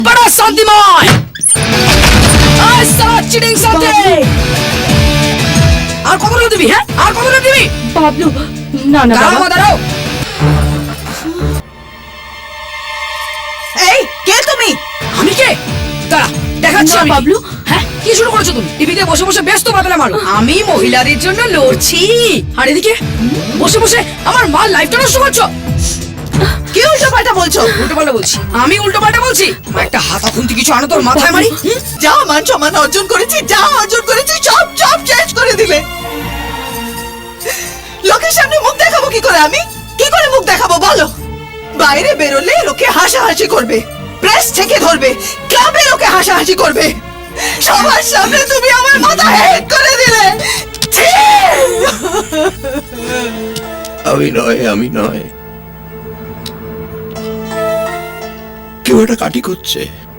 बड़ा शांतिमय চিটিং সাথে আর কতটা দিবি? হ্যাঁ আর কতটা দিবি? বাবলু না না দাঁড়াও বাবা দাঁড়াও। এই কে তুমি? আমি কে? দাঁড়া দেখাচ্ছি না, আমি। বাবলু। হ্যাঁ কি শুরু করেছো তুমি? টিভিতে বসে বসে ব্যস্ত বাদলা মারো। আমি মহিলাদের জন্য লড়ছি আর এদিকে বসে বসে আমার মার লাইফটা নষ্ট করছো। কি উল্টো পাল্টা বলছো? উল্টো পাল্টা বলছি? আমি উল্টো পাল্টা বলছি? একটা হাতা খুন্তি কিছু আনো তোর মাথায় মারি। যা মান সম্মান অর্জন করেছি, যা অর্জন করেছি সব সব শেষ করে দিলে। লোকের সামনে মুখ দেখাবো কি করে? আমি কি করে মুখ দেখাবো বলো? বাইরে বেরোলে লোকে হাসাহাসি করবে, প্রেস থেকে ধরবে, ক্লাবে লোকে হাসাহাসি করবে, সবার সামনে তুমি আমার মাথা হেড করে দিলে। ছি! আমি নয় কেউ একটা কাটি করছে।